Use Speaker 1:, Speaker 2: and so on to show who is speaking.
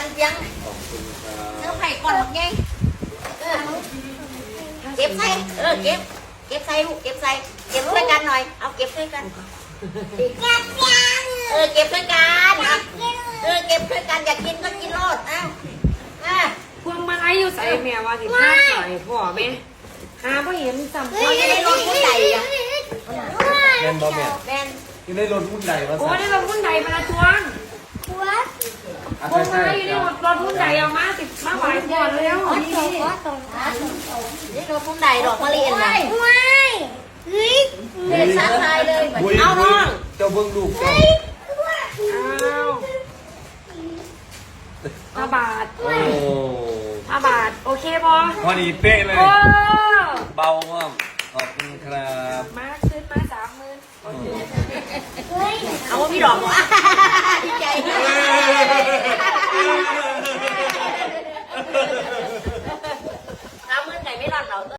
Speaker 1: เสียงเนื้อไผ่ก่อนหมดไงเก็บใส่เก็บใส่ลูกเก็บใส่เก็บด้วยกันหน่อยเอาเก็บด้วยกันเก็บด้วยกันเก็บด้วยกันอยากกินก็กินรส
Speaker 2: พวงมาลัยอยู่ใส่แม่ว่าสิพาหน่อยพ่อแม่หาพ่อเห็นจำ
Speaker 1: เราจะได้รถผู้ใหญ่อะ
Speaker 3: แม่นบ่แม่
Speaker 1: แมน
Speaker 3: ยังได้รถหุ้นใดวะ
Speaker 2: โอ้ได้รถหุ้นใดมาละทวงพวงมาลัยอยู่ในรถหุ้นใดเอามาสิมาไหวก่อนแล้ว
Speaker 1: น
Speaker 2: นี่
Speaker 1: ี่รถผู้ใหญ่ดอกมะลินนะเด็กสร้างไทยเลยเอาน้อง
Speaker 3: เจ้าเบิ้งลูกเจ้า
Speaker 2: 5 บาท
Speaker 3: โอ้
Speaker 2: 5 บาทโอเคพอ
Speaker 3: พอดีเป๊ะเลย
Speaker 2: โอ้
Speaker 3: เบามากขอบคุณครับ
Speaker 2: มาขึ้นมา30,000โอเค
Speaker 1: เอาว่ามีดอกวะดีใจ30,000ไหนไม่รอดเรา